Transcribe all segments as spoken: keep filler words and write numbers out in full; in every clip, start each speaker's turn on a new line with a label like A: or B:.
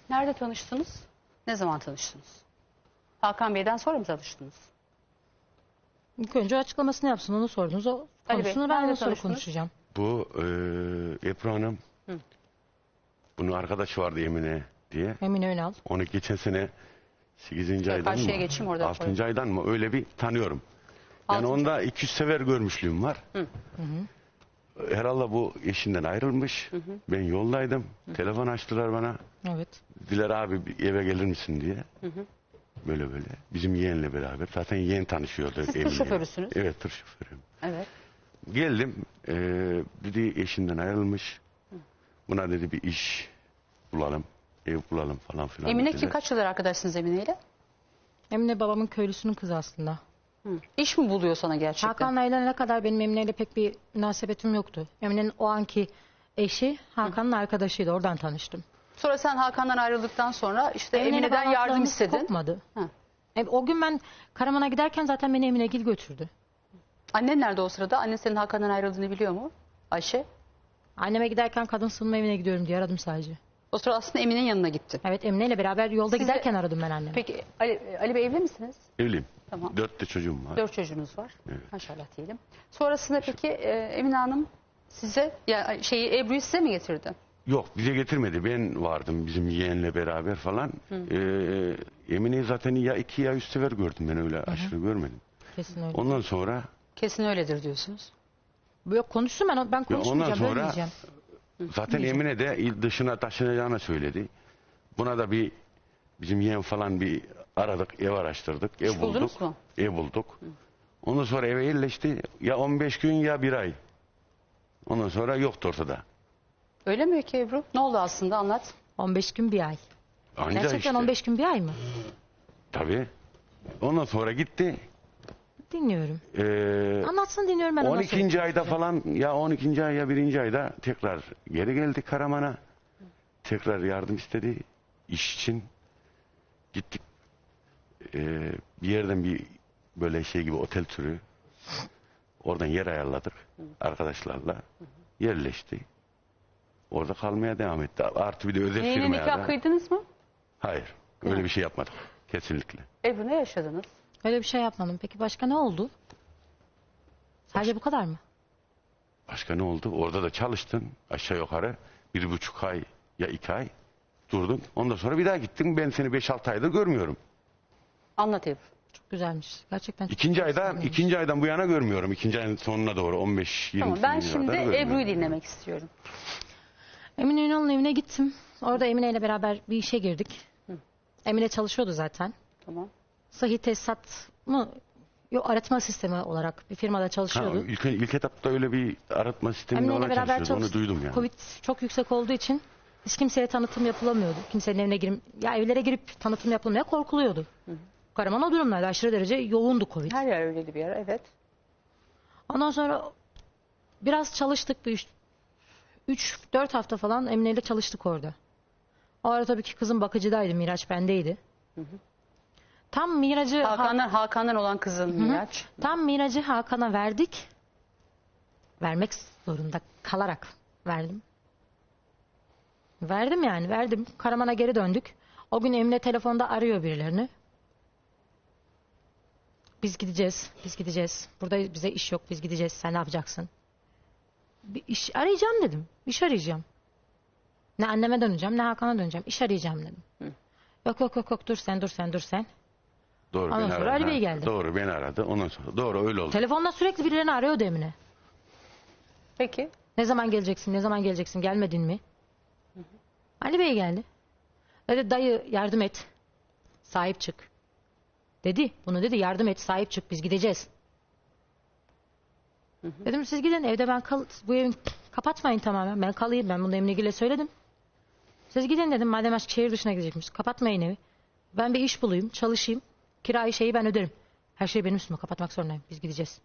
A: Nerede tanıştınız? Ne zaman tanıştınız? Hakan Bey'den sonra mı tanıştınız?
B: İlk önce açıklamasını yapsın, onu sordunuz. O
A: Ali Bey,
B: konusunu ben
A: nerede
B: ondan sonra
A: tanıştınız?
B: konuşacağım.
C: Bu e, Ebru Hanım,
A: Hı.
C: bunun arkadaşı vardı Emine diye.
B: Emine Önal.
C: Onu geçen sene sekizinci aydan mı?
A: karşıya geçeyim, orada
C: altıncı
A: koyayım.
C: aydan mı? Öyle bir tanıyorum. Yani
A: Altıncı.
C: onda iki yüz sefer görmüşlüğüm var.
A: Hı.
C: Herhalde bu eşinden ayrılmış.
A: Hı hı.
C: Ben yoldaydım. Hı. Telefon açtılar bana.
B: Evet.
C: Dediler abi bir eve gelir misin diye.
A: Hı hı.
C: Böyle böyle. Bizim yeğenle beraber. Zaten yeğen tanışıyordu.
A: Siz tır
C: Emine'yle.
A: şoförüsünüz.
C: Evet, tır şoförüyüm.
A: Evet.
C: Geldim. Ee, dedi eşinden ayrılmış. Buna dedi bir iş bulalım. Ev bulalım falan filan.
A: Emine
C: dediler.
A: kim? Kaç yıldır arkadaşsınız Emine ile?
B: Emine babamın köylüsünün kızı aslında.
A: Hı. İş mi buluyor sana gerçekten?
B: Hakan'la evlenene kadar benim Emine'yle pek bir münasebetim yoktu. Emine'nin o anki eşi Hakan'ın arkadaşıydı. Oradan tanıştım.
A: Sonra sen Hakan'dan ayrıldıktan sonra işte
B: Emine'yle
A: Emine'den yardım
B: bağlantılarımız
A: istedin.
B: Kopmadı.
A: Hı.
B: E, o gün ben Karaman'a giderken zaten beni Eminegil götürdü.
A: Annen nerede o sırada? Annen senin Hakan'dan ayrıldığını biliyor mu? Ayşe.
B: Anneme giderken kadın sığınma evine gidiyorum diye aradım sadece.
A: O sırada aslında Emine'nin yanına gittin.
B: Evet, Emine ile beraber yolda
A: Size-
B: giderken aradım ben annemi.
A: Peki Ali, Ali Bey evli misiniz?
C: Evliyim.
A: Tamam.
C: Dört de çocuğum var.
A: Dört çocuğunuz var.
C: Evet.
A: Maşallah diyelim. Sonrasında peki e, Emine Hanım size ya şeyi Ebru'yu size mi getirdi?
C: Yok, bize getirmedi. Ben vardım bizim yeğenle beraber falan. Ee, Emine'yi zaten ya iki ya üç sefer gördüm, ben öyle aşırı görmedim.
B: Kesin öyle.
C: Ondan sonra
A: Kesin öyledir diyorsunuz.
B: Yok, konuşsun, ben ben
C: ondan
B: konuşmayacağım,
C: sonra
B: bölmeyeceğim.
C: zaten Emine de il dışına taşınacağını söyledi. Buna da bir bizim yeğen falan bir aradık, ev araştırdık, ev
A: İş buldunuz
C: bulduk.
A: mu?
C: Ev bulduk. Ondan sonra eve yerleşti. Ya on beş gün ya bir ay. Ondan sonra yoktu ortada.
A: Öyle mi ki Ebru? Ne oldu aslında, anlat.
B: on beş gün bir ay.
C: Anca
B: Gerçekten
C: işte.
B: on beş gün bir ay mı?
C: Tabii. Ondan sonra gitti.
B: Dinliyorum.
C: Ee,
B: Anlatsın, dinliyorum ben. ondan
C: on
B: sonra
C: ikinci ayda
B: konuşacağım.
C: falan, ya on ikinci ay ya birinci ayda tekrar geri geldi Karaman'a. Tekrar yardım istedi iş için. Gittik. Ee, bir yerden bir böyle şey gibi otel türü. Oradan yer ayarladık arkadaşlarla. Yerleşti. Orada kalmaya devam etti. Artı bir de özel
A: Yeni
C: firmaya
A: nikah
C: da.
A: kıydınız mı?
C: Hayır. Öyle bir şey yapmadık. Kesinlikle.
A: Ebru, ne yaşadınız?
B: Öyle bir şey yapmadım. Peki başka ne oldu? Sadece bu kadar mı?
C: Başka ne oldu? Orada da çalıştın aşağı yukarı. Bir buçuk ay ya iki ay durdun. Ondan sonra bir daha gittin. Ben seni beş altı aydır görmüyorum.
A: Anlat Ebru.
B: Çok güzelmiş. Gerçekten çok
C: İkinci ayda,
B: güzelmiş.
C: ikinci aydan bu yana görmüyorum. İkinci ayın sonuna doğru on beş yirmi.
A: Tamam, ben şimdi
C: kadar görmüyorum.
A: Ebru'yu dinlemek istiyorum.
B: Emine Ünal'ın evine gittim. Orada Emine ile beraber bir işe girdik. Emine çalışıyordu zaten.
A: Tamam.
B: Sıhhi tesisat mı? Yok, arıtma sistemi olarak bir firmada
C: Ha,
B: çalışıyordu.
C: ilk, ilk etapta öyle bir aratma sistemi
B: Emine ile
C: olan
B: beraber
C: çalışıyordu. Onu
B: çalıştık.
C: duydum yani.
B: Covid çok yüksek olduğu için hiç kimseye tanıtım yapılamıyordu. Kimsenin evine girip, ya evlere girip tanıtım yapılmaya korkuluyordu. Karaman o durumlarda aşırı derece yoğundu Covid.
A: Her yer öyleydi bir ara, evet.
B: Ondan sonra biraz çalıştık, bir üç dört hafta falan Emine ile çalıştık orada. O ara tabii ki kızım bakıcıdaydı, Miraç bendeydi. Tam Miraç'ı
A: Hakan'dan, Hakan'dan olan kızın Miraç.
B: Tam Miraç'ı Hakan'a verdik. Vermek zorunda kalarak verdim. Verdim yani, verdim. Karaman'a geri döndük. O gün Emine telefonda arıyor birilerini. Biz gideceğiz, biz gideceğiz. Burada bize iş yok, biz gideceğiz. Sen ne yapacaksın? Bir iş arayacağım dedim. İş arayacağım. Ne anneme döneceğim, ne Hakan'a döneceğim. İş arayacağım dedim.
A: Hı.
B: Yok yok yok yok dur sen, dur sen, dur sen.
C: Doğru,
B: Ondan
C: beni
B: sonra
C: aradı.
B: Ali
C: Ha,
B: Bey geldi.
C: Doğru, beni aradı. Ondan sonra doğru öyle oldu.
B: Telefonda sürekli birilerini arıyordu Emine.
A: Peki.
B: Ne zaman geleceksin, ne zaman geleceksin, gelmedin mi? Hı hı. Ali Bey geldi. Dedi dayı yardım et. Sahip çık. Dedi, bunu dedi, yardım et, sahip çık, biz gideceğiz. Hı hı. Dedim siz gidin, evde ben kal, bu evi kapatmayın tamamen. Ben kalayım, ben bunu Emine Gül'e söyledim. Siz gidin dedim, madem aşk şehir dışına gidecekmiş. Kapatmayın evi. Ben bir iş bulayım, çalışayım. Kirayı şeyi ben öderim. Her şey benim üstüme, kapatmak zorundayım. Biz gideceğiz.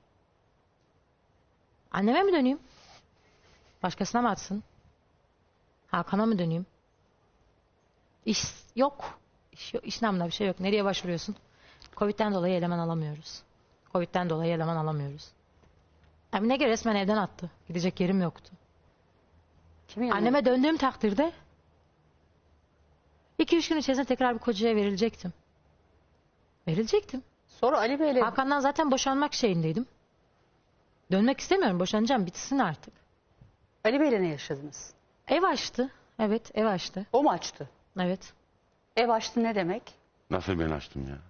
B: Anneme mi döneyim? Başkasına mı atsın? Hakan'a mı döneyim? İş yok. İş, yok. İş namına bir şey yok. Nereye başvuruyorsun? Covid'den dolayı eleman alamıyoruz. Covid'den dolayı eleman alamıyoruz. Emine göre resmen evden attı. Gidecek yerim yoktu.
A: Kimin yanına?
B: Anneme döndüğüm takdirde iki üç gün içerisinde tekrar bir kocaya verilecektim. Verilecektim.
A: Sonra Ali Bey'le
B: Hakan'dan zaten boşanmak şeyindeydim. Dönmek istemiyorum. Boşanacağım. Bitsin artık.
A: Ali Bey'le ne yaşadınız?
B: Ev açtı. Evet, ev açtı.
A: O mu açtı?
B: Evet.
A: Ev açtı ne demek?
C: Nasıl ben açtım ya?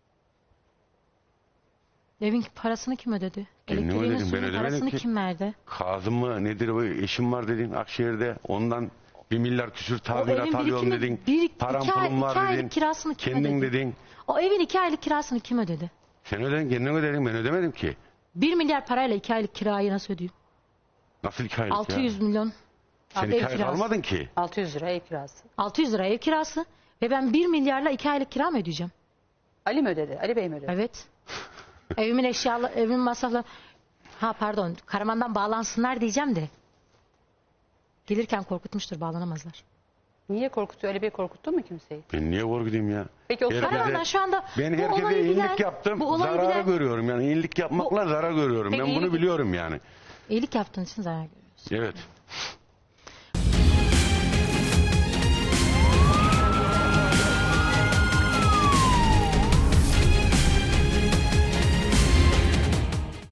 B: Evin parasını kim ödedi?
C: Kendim
B: Elektriğini,
C: ödedim, ben
B: suyunu,
C: ödemedim
B: parasını
C: ki.
B: kim verdi?
C: Kazım mı nedir bu eşim var dedin Akşehir'de, ondan bir milyar küsür tazminat
B: evin
C: alıyorum
B: birikimi-
C: dedin.
B: bir-
C: Param
B: iki ay-
C: pulum var
B: iki aylık
C: dedin.
B: kirasını kim
C: Kendin
B: ödedi?
C: dedin.
B: O evin iki aylık kirasını kim ödedi?
C: Sen ödedin, kendin ödedin, ben ödemedim ki.
B: Bir milyar parayla iki aylık kirayı nasıl ödeyeyim?
C: Nasıl iki aylık
B: altı
C: ya?
B: yüz milyon.
C: Sen
B: ev
C: iki ay
B: kirası.
C: almadın ki.
A: altı yüz lira ev kirası.
B: altı yüz lira ev kirası. Ve ben bir milyarla iki aylık kira mı ödeyeceğim?
A: Ali mi ödedi? Ali Bey mi ödedi?
B: Evet. Evimin eşyaları, evimin masrafları. Ha pardon, Karaman'dan bağlansınlar diyeceğim de. Gelirken korkutmuştur, bağlanamazlar.
A: Niye korkutuyor? Ali Bey korkuttu mu kimseyi?
C: Ben niye korkudayım ya?
A: Peki o
C: Herkese-
B: Karaman'dan şu anda
C: Ben
B: bu
C: herkese
B: olayı bilen-
C: iyilik yaptım.
B: bu olayı
C: Zararı
B: bilen-
C: görüyorum yani. İyilik yapmakla zarar görüyorum.
A: Peki
C: Ben bunu
A: iyilik-
C: biliyorum yani.
B: İyilik yaptığın için zarar görüyorsun.
C: Evet.